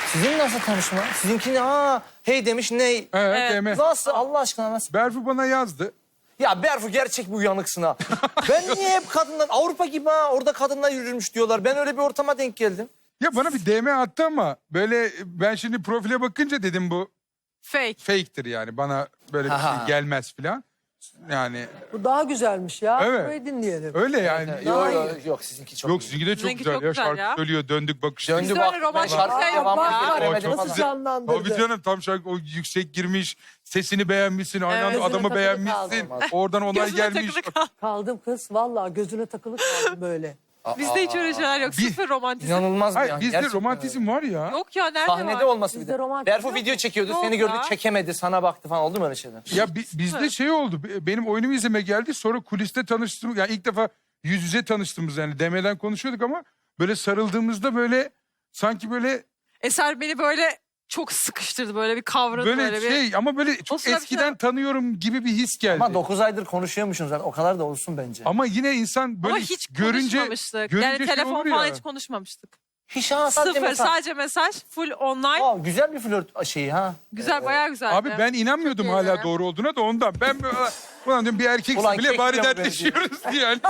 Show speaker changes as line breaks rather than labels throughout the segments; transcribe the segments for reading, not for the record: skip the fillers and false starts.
Sizin nasıl tanışma? Sizinki ne? Hey demiş ney?
Evet, deme.
Nasıl Allah aşkına nasıl?
Berfu bana yazdı.
Ya Berfu gerçek bir uyanıksın ha. Ben niye hep kadınlar Avrupa gibi ha orada kadınlar yürürmüş diyorlar. Ben öyle bir ortama denk geldim.
Ya bana bir DM attı ama böyle ben şimdi profile bakınca dedim bu
Fake.
fake'tir yani. Bana böyle bir
Aha.
şey gelmez falan. Yani
Bu daha güzelmiş ya.
Evet.
Burayı dinleyelim.
öyle yani.
Yok sizinki çok
Yok
iyi.
sizinki de çok
Sizinki
güzel
çok
ya.
güzel
Şarkı
ya.
söylüyor, döndük bakıştık.
Döndü
Biz
bak.
öyle romantik
ben şarkı
şey
devam
yok ya.
getiremedim
Çok
falan.
güzel.
Canlandırdı.
Tabii canım tam şarkı o yüksek girmiş. Sesini beğenmişsin. Aynı anda
Gözüne
adamı
takılı
beğenmişsin.
kaldı.
Oradan onay
Gözüne
gelmiş.
takılı kal.
Kaldım kız. Vallahi gözüne takılı kaldım böyle.
Bizde hiç öyle şeyler yok.
Bir-
Sıfır romantizm.
İnanılmaz bir
Hayır
an.
bizde
Gerçekten
romantizm var ya.
Yok ya nerede
Sahnede
var?
olması bir
Bizde
de.
romantik
Berfu
yok.
video çekiyordu.
Yok
Seni gördü
ya.
çekemedi. Sana baktı falan. Oldu mu öyle şeyler?
Ya bizde şey oldu. Benim oyunumu izleme geldi. Sonra kuliste tanıştığımız. Yani ilk defa yüz yüze tanıştığımız yani. DM'den konuşuyorduk ama böyle sarıldığımızda böyle sanki böyle
Eser beni böyle çok sıkıştırdı. Böyle bir kavradı. Böyle, bir...
şey ama böyle çok
sırada bir
eskiden
şey-
tanıyorum gibi bir his geldi.
Ama 9 aydır konuşuyormuşsunuz zaten. O kadar da olsun bence.
Ama yine insan böyle
Ama hiç
görünce
konuşmamıştık.
görünce
Yani
şey
telefon
olur
falan
ya.
hiç konuşmamıştık.
Hiç ha sadece
Sıfır.
mesaj.
Sadece mesaj. Full online.
Güzel bir flört şeyi ha.
Güzel, bayağı güzeldi.
Abi ben inanmıyordum
Çok iyi
hala
ya.
doğru olduğuna da ondan. Ben böyle, ulan diyorum bir erkeksin
Ulan
bile
kek
bari
yiyor bu
dertleşiyoruz diye yani.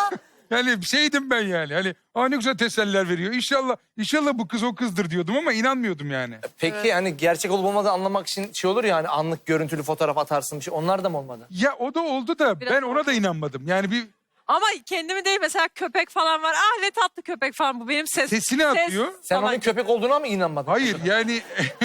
Yani şeydim ben yani. Hani ne güzel teseller veriyor. İnşallah bu kız o kızdır diyordum ama inanmıyordum yani.
Evet.
Peki hani gerçek olup olmadığını anlamak için şey olur ya hani anlık görüntülü fotoğraf atarsın bir şey. Onlar da mı olmadı?
Ya o da oldu da
Biraz
ben ona
oldu.
da inanmadım. Yani bir
Ama kendimi değil, mesela köpek falan var. Ah ne tatlı köpek falan, bu benim
sesini atıyor.
Sen
falan.
onun köpek olduğuna mı inanmadın?
Hayır yani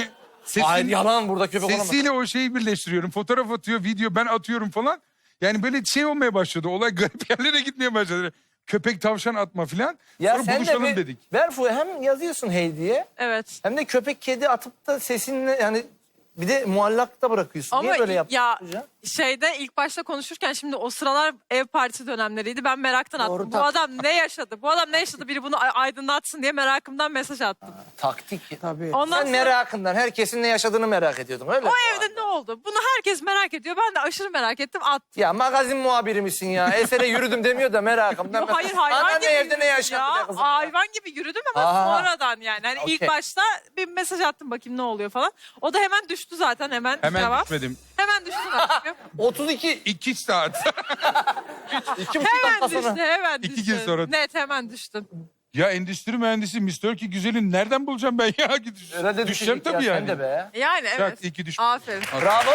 Hayır yalan burada köpek olamaz.
sesiyle o şeyi birleştiriyorum. Fotoğraf atıyor, video ben atıyorum falan. Yani böyle şey olmaya başladı. Olay garip yerlere gitmeye başladı. Köpek tavşan atma falan.
Ya
Sonra
sen de
buluşalım
bir
dedik.
Berfu hem yazıyorsun hey diye
Evet.
hem de köpek kedi atıp da sesinle yani bir de muallakta bırakıyorsun.
Ama
Niye böyle yaptın?
ya
hocam?
şeyde ilk başta konuşurken, şimdi o sıralar ev partisi dönemleriydi. Ben meraktan attım.
Doğru,
Bu
tabii.
adam ne yaşadı? Bu adam ne yaşadı? Biri bunu aydınlatsın diye merakımdan mesaj attım.
Taktik.
Tabii.
Ondan
Sen
sonra
merakından herkesin ne yaşadığını merak ediyordun öyle mi?
o evde ne oldu? Bunu herkes merak ediyor. Ben de aşırı merak ettim, attım.
Ya magazin muhabiri misin ya? Esere yürüdüm demiyor da merakımdan.
Yo, hayır hayvan
Ana
gibi
ne evde
yürüdüm
ne yaşandı
ya.
be kızım?
Hayvan gibi yürüdüm ama
Aha.
sonradan yani. Hani ilk
Okey.
başta bir mesaj attım, bakayım ne oluyor falan. O da hemen düştü zaten, hemen
Hemen
cevap.
düşmedim.
Hemen düştü zaten.
32,
2 saat.
2,5
Hemen
dakika sonra.
düştü, hemen
İki
düştü.
gün sonra.
Net hemen düştüm.
Ya endüstri mühendisi Mr. Ki güzelin nereden bulacağım ben ya?
Herhalde
Düşeceğim
düşecek ya,
tabii
sen
yani.
de be.
Yani evet.
Bak, iyi ki düştüm.
Aferin.
Bravo.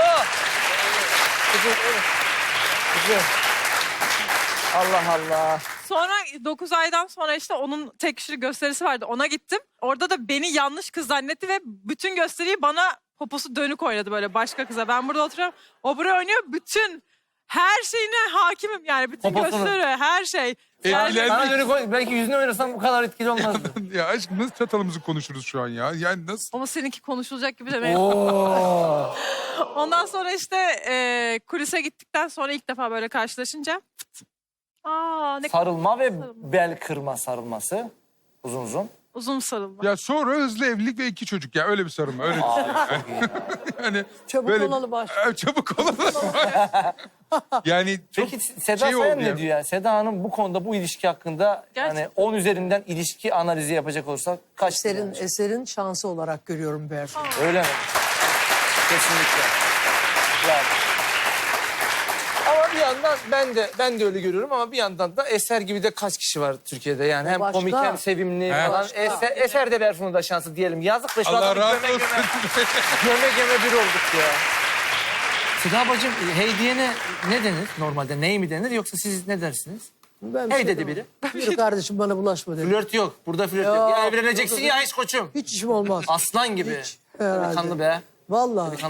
Güzel, evet. Güzel. Allah Allah.
Sonra 9 aydan sonra işte onun tek kişilik gösterisi vardı. Ona gittim. Orada da beni yanlış kız zannetti ve bütün gösteriyi bana poposu dönük oynadı böyle başka kıza. Ben burada oturuyorum. O buraya oynuyor. Bütün her şeyine hakimim yani. Bütün
Poposunu.
gösteri, her şey.
Etkilendi.
Sana dönük oy- belki yüzüne oynasam bu kadar etkili olmazdı.
Ya aşkım nasıl çatalımızı konuşuruz şu an ya? Yani nasıl?
Ama seninki konuşulacak gibi de.
Oo.
Ondan sonra işte kulise gittikten sonra ilk defa böyle karşılaşınca. Ne
Sarılma ve bel kırma sarılması. Uzun uzun.
uzun sarılma.
Ya sonra hızlı evlilik ve 2 çocuk ya öyle bir sarılma öyle bir şey. Yani
Çabuk
böyle-
olalım aşk.
Çabuk olalım. Yani çok
Peki Seda
şey
Sayan
oldu
ne
ya.
diyor yani? Seda Hanım bu konuda bu ilişki hakkında yani
Gerçekten.
10 üzerinden ilişki analizi yapacak olursak kaç?
Eserin şansı olarak görüyorum Berfu.
Öyle mi? Kesinlikle. Yani. Ama bir yandan ben de öyle görüyorum ama bir yandan da Eser gibi de kaç kişi var Türkiye'de yani hem
başka.
komik hem sevimli
He.
falan.
Başka.
Eser de Berfu'nun da şansı diyelim. Yazık da şu
Allah
adamı
razı
göme
olsun.
göme bir olduk ya. Seda bacım hey diyene ne denir normalde? Ney mi denir yoksa siz ne dersiniz?
Ben bir
Hey
şey
dedi
demem.
biri.
Yürü kardeşim bana bulaşma dedi.
Flört yok. Burada flört yok.
Ya,
Ya evleneceksin
burada-
ya hiç koçum.
Hiç işim olmaz.
Aslan gibi.
Herhalde.
Delikanlı be.
Vallahi.